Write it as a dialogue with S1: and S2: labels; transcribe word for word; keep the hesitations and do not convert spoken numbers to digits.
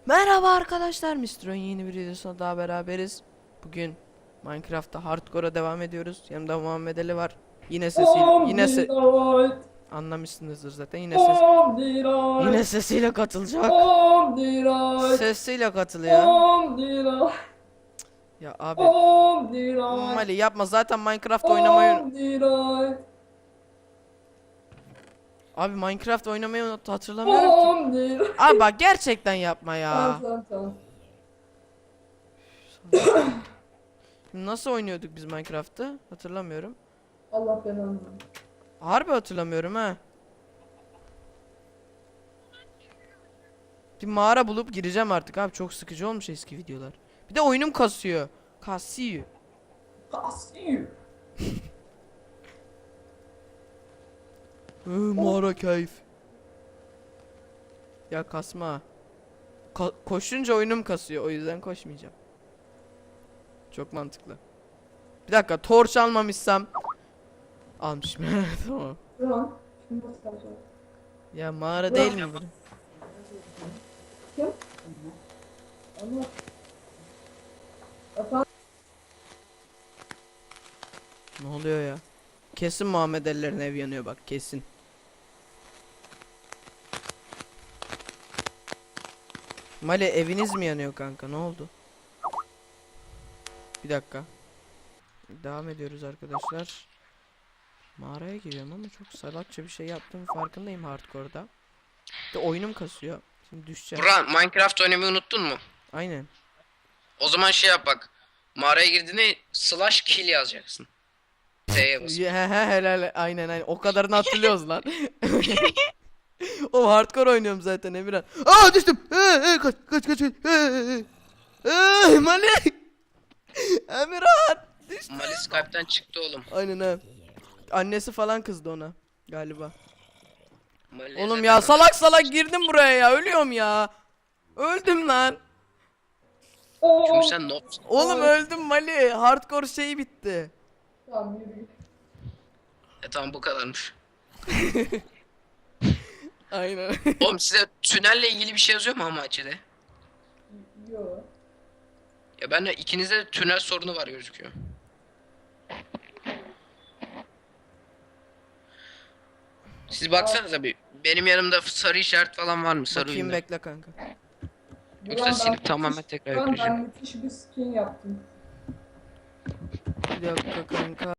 S1: Merhaba arkadaşlar, mister Oyun yeni bir videosuna daha beraberiz. Bugün Minecraft'ta hardcore'a devam ediyoruz. Yanımda Muhammed Ali var. Yine sesiyle yine se
S2: Omniroid,
S1: anlamışsınızdır zaten. Yine ses yine
S2: Omniroid,
S1: sesiyle katılacak.
S2: Omniroid,
S1: Sesiyle katılıyor.
S2: Omniroid,
S1: Ya abi,
S2: Omniroid,
S1: Ali yapma, zaten Minecraft oynamayı
S2: Omniroid,
S1: Abi Minecraft oynamayı unut, hatırlamıyorum ki.
S2: Omniroid.
S1: Abi bak, gerçekten yapma
S2: Tamam
S1: ya.
S2: tamam tamam.
S1: Nasıl oynuyorduk biz Minecraft'ı? Hatırlamıyorum.
S2: Allah belanı.
S1: Harbi hatırlamıyorum ha. Bir mağara bulup gireceğim artık abi, çok sıkıcı olmuş eski videolar. Bir de oyunum kasıyor. Kasıyor.
S2: Kasıyor.
S1: Hı, mağara keyif. Ya kasma. Ka koşunca oyunum kasıyor, o yüzden koşmayacağım. Çok mantıklı. Bir dakika, torç almamışsam. Almışım. Tamam.
S2: Tamam. Şimdi nasıl kalacak?
S1: Ya mağara değil mi bu?
S2: Kim? Ama. Efendim?
S1: Ne oluyor ya? Kesin Muhammed Ali'lerin ev yanıyor bak, kesin. Mali, eviniz mi yanıyor kanka, ne oldu? Bir dakika. Devam ediyoruz arkadaşlar. Mağaraya giriyorum ama çok salakça bir şey yaptığım farkındayım hardcore'da. De oyunum kasıyor. Şimdi düşeceğim.
S3: Buran, Minecraft oynamayı unuttun mu?
S1: Aynen.
S3: O zaman şey yap bak. Mağaraya girdiğinde slash kill yazacaksın. T'ye bas.
S1: He he, helal, aynen aynen. O kadarını hatırlıyoruz lan. O hardcore oynuyorum zaten Emirhan. Aa, düştüm. Ee, ee, kaç kaç kaç. kaç. Ee, ee, ee, Mali. Emirhan. Düştüm.
S3: Mali Skype'den çıktı oğlum.
S1: Aynen ha. Annesi falan kızdı ona galiba.
S3: Mali
S1: Oğlum
S3: zaten
S1: ya,
S3: o-
S1: salak salak girdim buraya ya, ölüyorum ya. Öldüm lan.
S3: Çünkü sen noobsun.
S1: Oğlum öldüm Mali. Hardcore şeyi bitti.
S2: Tamam yürü git.
S3: E tamam, bu kadarmış.
S1: Aynen.
S3: Oğlum size tünelle ilgili bir şey yazıyor mu ama açıda?
S2: Yo.
S3: Ya ben de ikinizde de tünel sorunu var gözüküyor. Siz baksanıza bir. Benim yanımda sarı işaret falan var mı? Sarı
S1: Bakayım,
S3: ürünler.
S1: bekle kanka.
S3: Yoksa
S2: Buran,
S3: silip
S2: ben
S3: tamamen
S2: müthiş-
S3: tekrar
S2: Buran,
S3: yükleyeceğim.
S2: ben müthiş bir skin yaptım.
S1: Bir dakika kanka.